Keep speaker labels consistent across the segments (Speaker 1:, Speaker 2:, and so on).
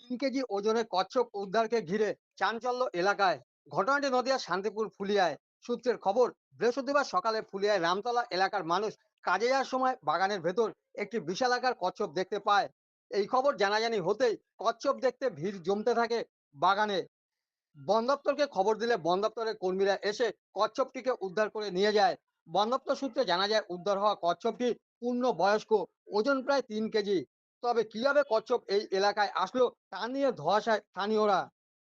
Speaker 1: 3 KG ওজনের কচ্ছপ উদ্ধারকে ঘিরে চাঞ্চল্য এলাকায়। ঘটনাটি নদিয়ার শান্তিপুর ফুলিয়ায়। সূত্রের খবর, বৃহস্পতিবার সকালে ফুলিয়ায় রামতলা এলাকার মানুষ কাজে যাওয়ার সময় বাগানের ভেতর একটি বিশালাকার কচ্ছপ দেখতে পায়। এই খবর জানাজানি হতেই কচ্ছপ দেখতে ভিড় জমতে থাকে বাগানে। বন দপ্তরকে খবর দিলে বন দপ্তরের কর্মীরা এসে কচ্ছপটিকে উদ্ধার করে নিয়ে যায়। বন দপ্তর সূত্রে জানা যায় উদ্ধার হওয়া কচ্ছপটি পূর্ণ বয়স্ক, ওজন প্রায় 3 কেজি। তবে কিভাবে কচ্ছপ এই এলাকায় আসলো তা নিয়ে ধোঁয়াশায় স্থানীয়রা।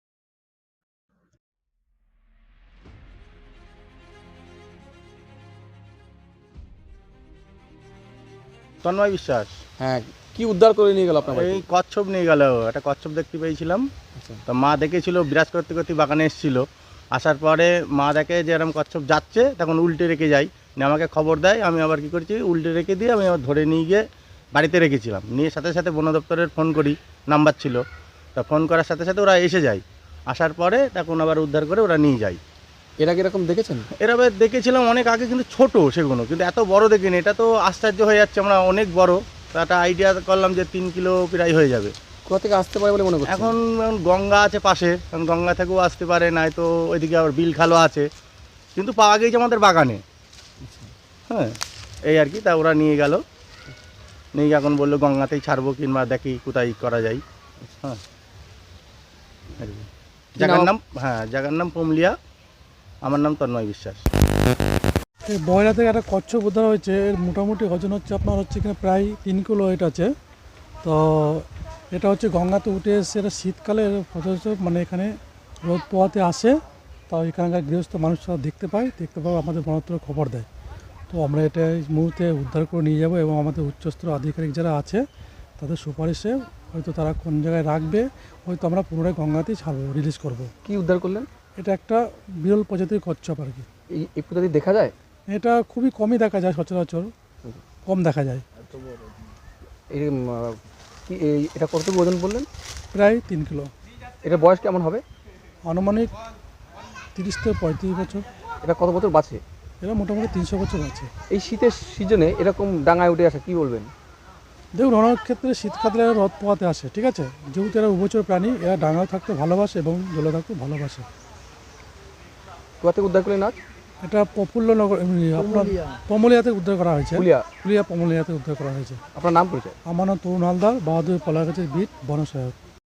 Speaker 2: তন্ময় বিশ্বাস।
Speaker 3: হ্যাঁ, কি উদ্ধার করে নিয়ে গেল আপনার বাড়ি
Speaker 2: এই
Speaker 3: থেকে?
Speaker 2: কচ্ছপ নিয়ে গেল, একটা কচ্ছপ দেখতে পেয়েছিলাম।
Speaker 3: আচ্ছা।
Speaker 2: তো মা দেখেছিল, বিরাজ করতে করতে বাগানে এসেছিল। আসার পরে মা দেখে যে এরকম কচ্ছপ যাচ্ছে, তখন উল্টে রেখে যাই, নিয়ে আমাকে খবর দেয়। আমি আবার কি করেছি, উল্টে রেখে দিয়ে আমি আবার ধরে নিয়ে গিয়ে বাড়িতে রেখেছিলাম। নিয়ে সাথে সাথে বন দপ্তরের ফোন করি, নাম্বার ছিল। তা ফোন করার সাথে সাথে ওরা এসে যায়। আসার পরে তখন আবার উদ্ধার করে ওরা নিয়ে যায়।
Speaker 3: এর আগে এরকম দেখেছেন?
Speaker 2: এভাবে দেখেছিলাম অনেক আগে, কিন্তু ছোট সেগুলো, কিন্তু এত বড় দেখিনি। এটা তো আশ্চর্য হয়ে যাচ্ছে, আমরা অনেক বড়। তো একটা আইডিয়া করলাম যে 3 কিলো প্রায় হয়ে যাবে।
Speaker 3: কোথা থেকে আসতে পারে বলে মনে করছেন?
Speaker 2: এখন গঙ্গা আছে পাশে, কারণ গঙ্গা থেকেও আসতে পারে, নয়তো ওইদিকে আবার বিল খালও আছে, কিন্তু পাওয়া গিয়েছে আমাদের বাগানে। হ্যাঁ, এই আর কি। তা ওরা নিয়ে গেল, নিয়ে গিয়ে এখন বললো গঙ্গাতেই ছাড়বো, কিংবা দেখি কোথায় করা যায়। হ্যাঁ, আর কি। জায়গার নাম পমলিয়া। আমার নাম তন্ময় বিশ্বাস।
Speaker 4: এই বয়রা থেকে একটা কচ্ছপ উদ্ধার হয়েছে। এর মোটামুটি ওজন হচ্ছে আপনার হচ্ছে এখানে প্রায় 3 কিলো ওয়েট আছে। তো এটা হচ্ছে গঙ্গাতে উঠে এসে, এটা শীতকালে মানে এখানে রোদ পোহাতে আসে। তো এখানকার গৃহস্থ মানুষরা দেখতে পায় আমাদের বন দপ্তরে খবর দেয়। তো আমরা এটা এই মুহূর্তে উদ্ধার করে নিয়ে যাব এবং আমাদের উচ্চস্তর আধিকারিক যারা আছে তাদের সুপারিশে হয়তো তারা কোন জায়গায় রাখবে, হয়তো আমরা পুনরায় গঙ্গাতেই ছাড়বো, রিলিজ করব।
Speaker 3: কি উদ্ধার করলেন?
Speaker 4: এটা একটা বিরল প্রজাতির কচ্ছপ আর কি।
Speaker 3: এই প্রজাতি দেখা যায়?
Speaker 4: এটা খুবই কমই দেখা যায়, সচরাচর কম দেখা যায়।
Speaker 3: এই এটা কতটুকু ওজন বললেন?
Speaker 4: প্রায় 3 কিলো।
Speaker 3: এটা বয়স কেমন হবে?
Speaker 4: আনুমানিক 30 থেকে 35 বছর।
Speaker 3: এটা কত বছর বাঁচে?
Speaker 4: এরা মোটামুটি 300 বছর আছে।
Speaker 3: এই শীতের সিজনে এরকম ডাঙায় উঠে আসা, কি বলবেন?
Speaker 4: দেখুন, অনেক ক্ষেত্রে শীতকালে এরা রোদ পোহাতে আসে, ঠিক আছে। যেহেতু এরা উভচর প্রাণী, এরা ডাঙায় থাকতে ভালোবাসে এবং জলে থাকতে ভালোবাসে।
Speaker 3: কোথা থেকে উদ্ধার করলেন আজ?
Speaker 4: এটা প্রফুল্লনগর, আপনার পমলিয়াতে উদ্ধার করা হয়েছে।
Speaker 3: ফুলিয়া।
Speaker 4: ফুলিয়া পমলিয়াতে উদ্ধার করা হয়েছে।
Speaker 3: আপনার নাম পরিচয়?
Speaker 4: আমার নাম তরুণ হালদার, বাহাদুর পলাগাছের বিট বন সহায়ক।